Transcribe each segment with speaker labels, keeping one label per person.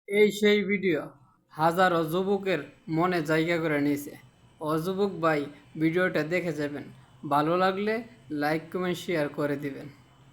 Speaker 1: এই সেই ভিডিও হাজারো যুবকের মনে জায়গা করে নিয়েছে। ও যুবক ভাই, ভিডিওটা দেখে যাবেন, ভালো লাগলে লাইক কমেন্ট শেয়ার করে দিবেন।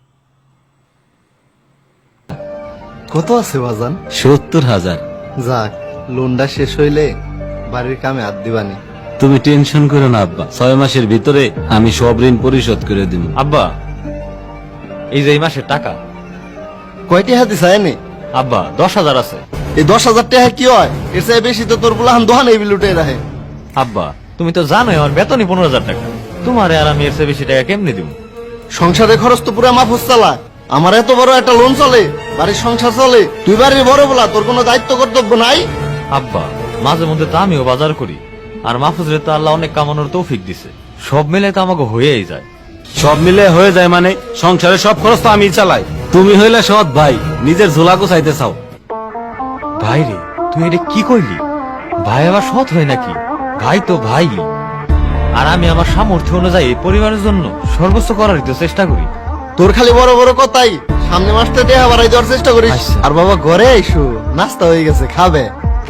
Speaker 2: কত আছে বাজান?
Speaker 3: 70,000।
Speaker 2: যাক, লোনটা শেষ হইলে বাড়ির কামে হাত দিবানি।
Speaker 3: তুমি টেনশন করো না আব্বা, 6 মাসের ভিতরে আমি সব ঋণ পরিশোধ করে দিব।
Speaker 4: আব্বা, এই যে এই মাসের টাকা।
Speaker 2: কয়টি হাতি চায়নি?
Speaker 4: আব্বা, 10,000 আছে।
Speaker 2: এই 10,000 টাকা কি হয়? এর চেয়ে বেশি তো তোর বুলাহান দোহান এই লুটে রাখে।
Speaker 4: আব্বা, তুমি তো জানোই আমার বেতনই 15,000 টাকা। তোমারে আর আমি এর চেয়ে বেশি টাকা কেমনি দিব?
Speaker 2: সংসারে খরচ তো পুরো মাফ চালা। আমার এত বড় একটা লোন চলে, বাড়ির সংসার চলে, তুই বাড়ির বড় বলা, তোর কোনো দায়িত্ব কর্তব্য নাই?
Speaker 4: আব্বা, মাঝে মধ্যে তো আমিও বাজার করি, আর মাহফুজরে তো আল্লাহ অনেক কামানোর তৌফিক দিছে। সব মিলে তো আমাকে হয়েই যায়।
Speaker 3: সব মিলে হয়ে যায় মানে? সংসারের সব খরচ তো আমি চালাই। তুমি হইলে সৎ ভাই, নিজের ঝোলাকো চাইতে চাও।
Speaker 4: ভাই রে, তুই এটা কি কইলি? ভাই আবার সৎ হয় নাকি? ভাই তো ভাই। আর আমি আমার সামর্থ্য অনুযায়ী পরিবারের জন্য সর্বোচ্চ করারই তো চেষ্টা করি।
Speaker 2: তোর খালি বড় বড় কথাই। সামনে মাসটা টাকা বাড়াই দেওয়ার চেষ্টা করিস।
Speaker 4: আচ্ছা।
Speaker 2: আর বাবা ঘরে আইসু, নাস্তা হয়ে গেছে, খাবে।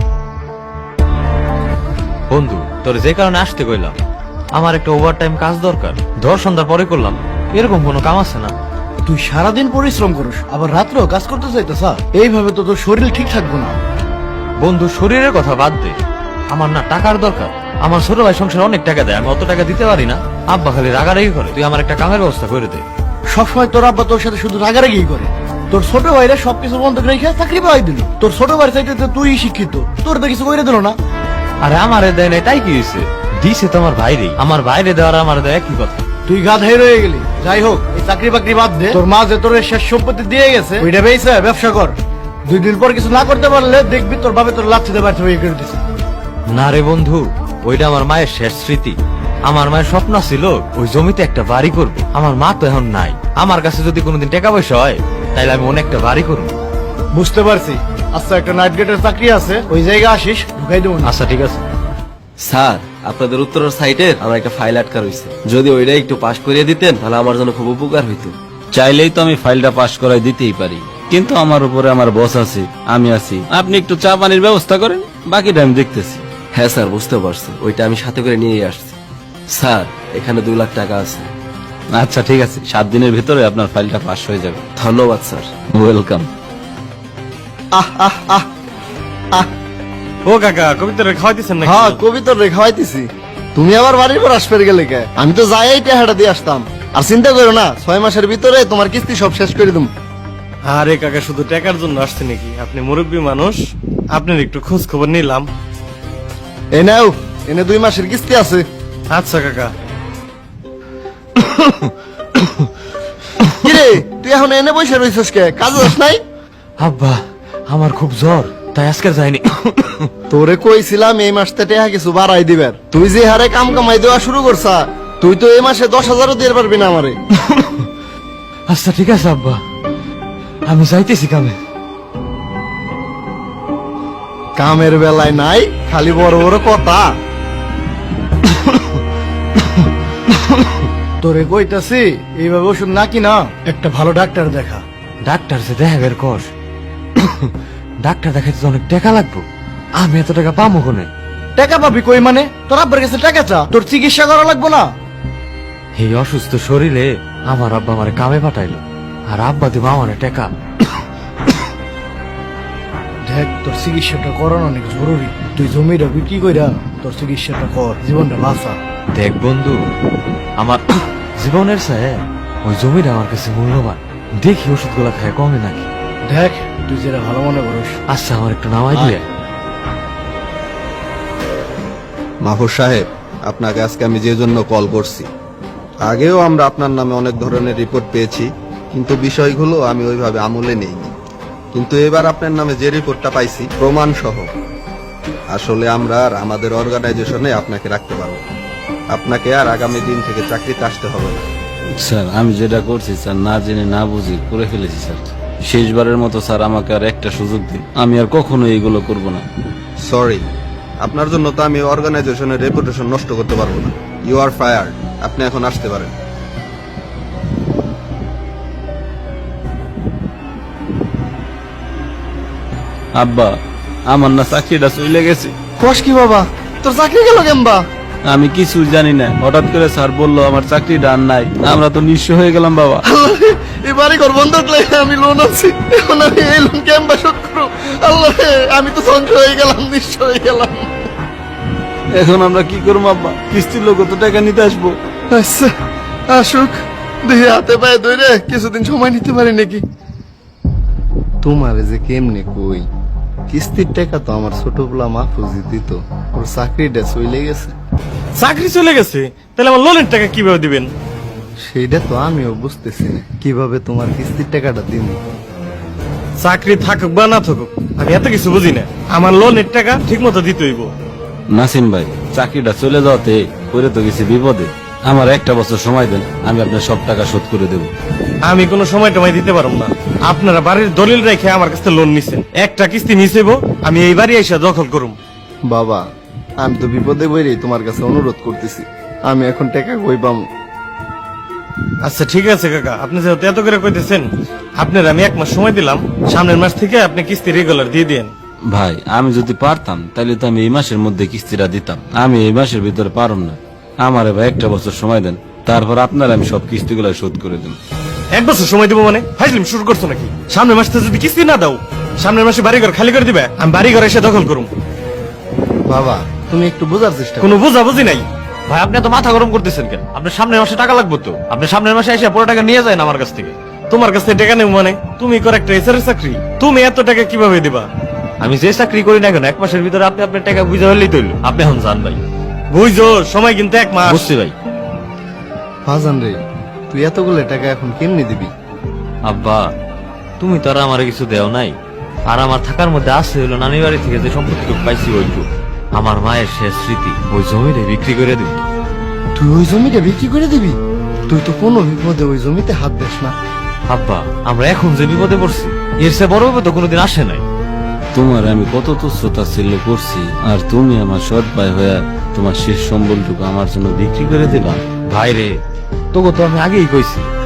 Speaker 4: বন্ধু, তোর যে কারণে আসতে কইলাম, আমার একটা ওভারটাইম কাজ দরকার। ধর সন্ধ্যার পরে করলাম, এরকম কোনো কাম আছে না?
Speaker 5: তুই সারাদিন পরিশ্রম করিস, আবার রাত্রেও কাজ করতে চাইতেছ? এইভাবে তো তোর শরীর ঠিক থাকবো না।
Speaker 4: বন্ধু, শরীরের কথা বাদ দে, আমার না টাকার দরকার। আমার ছোট ভাই সংসারে অনেক টাকা দেয়, আমি অত টাকা দিতে পারি না। আব্বা খালি রাগারাগি করে। তুই আমার একটা কামের ব্যবস্থা করে দে।
Speaker 5: সবসময় তোর আব্বা তোর সাথে শুধু রাগারাগি করে। তোর ছোট ভাইরা সবকিছু বন্ধ রেখে চাকরি পাই দিল। তোর ছোট ভাই চাইতে তুই শিক্ষিত, তোর তো কিছু করে দিল না।
Speaker 4: আরে আমারে দেয় না, তাই কি হয়েছে? দিছে তো আমার ভাইরে। আমার ভাইরে দেওয়ার আমার দেয় একই কথা।
Speaker 5: তুই গাধাই রয়ে গেলি। যাই হোক, এই চাকরি বাকরি বাদ দে। তোর মা যে তোর এই শেষ সম্পত্তি দিয়ে গেছে, ওইটা বেচে ব্যবসা কর। 2 দিন পর কিছু না করতে পারলে দেখবি তোর বাবা তোর লাচ্ছিতে ব্যর্থ হয়ে করে দিছে।
Speaker 4: না রে বন্ধু, ওইটা আমার মায়ের শেষ স্মৃতি। আমার মায়ের স্বপ্ন ছিল ওই জমিতে একটা বাড়ি করব। আমার মা তো এখন নাই। আমার কাছে যদি কোনোদিন টাকা পয়সা হয়, তাইলে আমি অনেকটা বাড়ি করবো।
Speaker 5: বুঝতে পারছি। আচ্ছা, একটা নাইট গেটের চাকরি আছে, ওই জায়গা আসিস, ঢুকাই দেবো না।
Speaker 4: আচ্ছা, ঠিক আছে।
Speaker 6: স্যার, আপনাদের উত্তরের সাইটের আমার একটা ফাইল আটকা রয়েছে, যদি ওইটা একটু পাস করিয়ে দিতেন তাহলে আমার জন্য খুব উপকার হইতো।
Speaker 3: চাইলেই তো আমি ফাইলটা পাস করাই দিতেই পারি, কিন্তু আমার উপরে আমার বস আছে, আমি আছি। আপনি একটু চা পানির ব্যবস্থা করেন, বাকিটা আমি দেখতেছি।
Speaker 6: হ্যাঁ স্যার, বুঝতে পারছি। ওইটা আমি সাথে করে নিয়ে আসছি। স্যার, এখানে 2 লাখ টাকা আছে।
Speaker 3: আচ্ছা ঠিক আছে, 7 দিনের ভিতরে আপনার ফাইলটা পাস হয়ে যাবে।
Speaker 6: ধন্যবাদ স্যার।
Speaker 3: ওয়েলকাম।
Speaker 2: আহ আহ আহ আহ।
Speaker 4: ও কাকা, কবিতারে খাওয়াইতেছেন
Speaker 2: হ্যাঁ, কবিতর রে খাওয়াইতেছি। তুমি আবার বাড়ির পর আসবে গেলে কে? আমি তো যাই টাকাটা দিয়ে আসতাম। আর চিন্তা করো না, 6 মাসের ভিতরে তোমার কিস্তি সব শেষ করে দেবো।
Speaker 7: আরে কাকা, শুধু টাকার জন্য আসছে নাকি? আপনি মুরব্বী মানুষ, আপনার একটু খোঁজ খবর নিলাম।
Speaker 2: এই নাও, এনে 2 মাসের কিস্তি আছে।
Speaker 7: আচ্ছা কাকা।
Speaker 2: কিরে, তুই এখন এনে বসে রইছিস কে? কাজ যাস নাই?
Speaker 4: আব্বা, আমার খুব জ্বর, তাই আজকে যাইনি।
Speaker 2: তোরে কইছিলাম এই মাসটা টাকা কিছু বাড়াই দিবার। তুই যে হারে কাম কামাই দেওয়া শুরু করছা, তুই তো এই মাসে 10,000ও দিয়ে পারবি না আমারে।
Speaker 4: আচ্ছা ঠিক আছে আব্বা, আমি যাইতেছি কামে।
Speaker 2: কামের বেলায় নাই, খালি বড় বড় কথা।
Speaker 5: তোরে কইতাছি, এইভাবে ওষুধ নাকি না, একটা ভালো ডাক্তার দেখা।
Speaker 4: ডাক্তার যে দেখা বের কর। ডাক্তার দেখাইতে তো অনেক টাকা লাগবে। আমি এত টাকা পাবো কোনে?
Speaker 5: টাকা পাবি কই মানে? তোর আব্বার কাছে টাকা চা, তোর চিকিৎসা করা লাগবো না?
Speaker 4: এই অসুস্থ শরীরে আমার আব্বা আমার কামে পাঠাইলো, আর আব্বা দিব আমার টাকা।
Speaker 5: দেখ, তোর চিকিৎসাটা করানো অনেক জরুরি। তুই জমিটা বিক্রি কইরা তোর চিকিৎসাটা কর, জীবনটা বাঁচা।
Speaker 4: দেখ বন্ধু, আমার জীবনের চেয়ে ওই জমিটা আমার কাছে মূল্যবান। দেখি ওষুধগুলা খায় কমে নাকি।
Speaker 5: দেখ, তুই যেটা ভালো মনে করিস।
Speaker 4: আচ্ছা, আমার একটু নামাই দিয়ে।
Speaker 8: মাহফুজ সাহেব, আপনাকে আজকে আমি যে জন্য কল করছি, আগেও আমরা আপনার নামে অনেক ধরনের রিপোর্ট পেয়েছি, কিন্তু বিষয়গুলো আমি ওইভাবে আমলে নেইনি। কিন্তু এবার আপনার নামে যে রিপোর্টটা পাইছি প্রমাণ সহ, আসলে আমরা আর আমাদের অর্গানাইজেশনে আপনাকে রাখতে পারবো। আপনাকে আর আগামী দিন থেকে চাকরিতে আসতে হবে না।
Speaker 3: স্যার, আমি যেটা করছি স্যার, না জেনে না বুঝে করে ফেলেছি স্যার। শেষবারের মতো স্যার, আমাকে আর একটা সুযোগ দিন, আমি আর কখনো এইগুলো করব না।
Speaker 8: সরি, আপনার জন্য তো আমি অর্গানাইজেশনের রেপুটেশন নষ্ট করতে পারবো না। You are fired. আপনি এখন আসতে পারেন।
Speaker 3: আব্বা, আমার না চাকরিটা চলে গেছে।
Speaker 2: কস কি বাবা, তোর চাকরি গেল কেমবা?
Speaker 3: আমি কিছু জানি না, হঠাৎ করে স্যার বললো আমার চাকরিটা আর নাই। আমরা তো নিঃস্ব হয়ে গেলাম বাবা।
Speaker 2: আল্লাহ রে, এই বাড়ি ঘর বন্ধক লাগে আমি লোন আছি, এখন আমি এই লোন কেমবা শোধ করবো? আল্লাহ রে, আমি তো ধ্বংস হয়ে গেলাম, নিঃস্ব হয়ে গেলাম।
Speaker 3: এখন আমরা কি করবো আব্বা? কিস্তির লোক তো টাকা নিতে আসবো।
Speaker 2: আচ্ছা আসুক, দেখি হাতে পায়ে ধরে কিছুদিন সময় নিতে পারি নাকি। তোমার যে কেমনে কই, কিস্তির টাকা তো আমার ছোটবেলা মাহফুজি দিত, ওর চাকরিটা চলে গেছে।
Speaker 7: চাকরি চলে গেছে, তাহলে আমার লোনের টাকা কিভাবে দিবেন?
Speaker 2: সেইটা তো আমিও বুঝতেছি না, কিভাবে তোমার কিস্তির টাকাটা দিন।
Speaker 7: চাকরি থাকুক বা না থাকুক, আমি এত কিছু বুঝি না। আমার লোনের টাকা ঠিক মতো দিতে হইব।
Speaker 3: নাসিম ভাই, চাকরিটা চলে যাওয়াতে করে তো গেছি বিপদে। আমার একটা বছর সময় দেন, আমি আপনার সব টাকা শোধ করে দেব।
Speaker 7: আমি কোনো সময় টমাই দিতে পারব না। আপনারা বাড়ির দলিল রেখে আমার কাছে লোন নিছেন, একটা কিস্তি মিশাইব, আমি এই বাড়ি এসে দখল করুম।
Speaker 2: বাবা, আমি তো বিপদে বইরেই তোমার কাছে অনুরোধ করতেছি, আমি এখন টাকা কই পাম?
Speaker 7: আচ্ছা ঠিক আছে কাকা, আপনি যেহেতু এত করে কইতেছেন, আপনার আমি 1 মাস সময় দিলাম, সামনের মাস থেকে আপনি কিস্তি রেগুলার দিয়ে দিয়েন।
Speaker 3: ভাই, আমি যদি পারতাম তাহলে তো আমি এই মাসের মধ্যে কিস্তিটা দিতাম। আমি এই মাসের ভিতরে পারম না। আমার এবার একটা বছর সময় দেন, তারপর আপনার আমি সব কিস্তিগুলো শোধ করে দেব।
Speaker 7: 1 বছর সময় দিব মানে ফাইজলিম শুরু করছো নাকি? সামনের মাসে যদি কিস্তি না দাও, সামনের মাসে বাড়িঘর খালি করে দিবে, আমি বাড়িঘর এসে দখল করুম।
Speaker 2: বাবা, তুমি একটু বোঝার চেষ্টা করো।
Speaker 7: কোনো বুঝাবুঝি নাই।
Speaker 4: ভাই আপনি তো মাথা গরম করতেছেন কেন? আপনার সামনের মাসে টাকা লাগবে তো, আপনি সামনের মাসে এসে পুরো টাকা নিয়ে যায় আমার কাছ থেকে।
Speaker 7: তোমার কাছে টাকা নেব মানে? তুমি কর একটা এসআর চাকরি, তুমি এত টাকা কিভাবে দিবা?
Speaker 4: আমি যে চাকরি করি না কেন, 1 মাসের ভিতরে আপনি আপনার টাকা বুঝে হলেই তৈল। আপনি এখন যান ভাই।
Speaker 7: বুঝছো, সময় কিন্তু 1 মাস।
Speaker 4: বুঝছি ভাই।
Speaker 2: ফাজান রে, তুই এতগুলো টাকা এখন কেমনি দিবি?
Speaker 4: আব্বা, তুমি তো আর আমার কিছু দেও নাই, আর আমার থাকার মধ্যে আছে হলো নানি বাড়ি থেকে যে সম্পত্তিটুকু পাইছি ওইটুকু। আমার মায়ের শেষ স্মৃতি, ওই জমিটা বিক্রি করে দিই।
Speaker 2: তুই ওই জমিটা বিক্রি করে দিবি? তুই তো কোনো বিপদে ওই জমিতে হাত দিস না।
Speaker 4: আব্বা, আমরা এখন যে বিপদে পড়ছি, এর চেয়ে বড় বিপদ তো কোনোদিন আসে নাই।
Speaker 3: তোমার আমি কত তুচ্ছতা ছিল করছি, আর তুমি আমার সৎ ভাই হয়ে তোমার শেষ সম্বলটুকু আমার জন্য বিক্রি করে দিবা।
Speaker 4: ভাই রে, তোকে তো আমি আগেই কইছি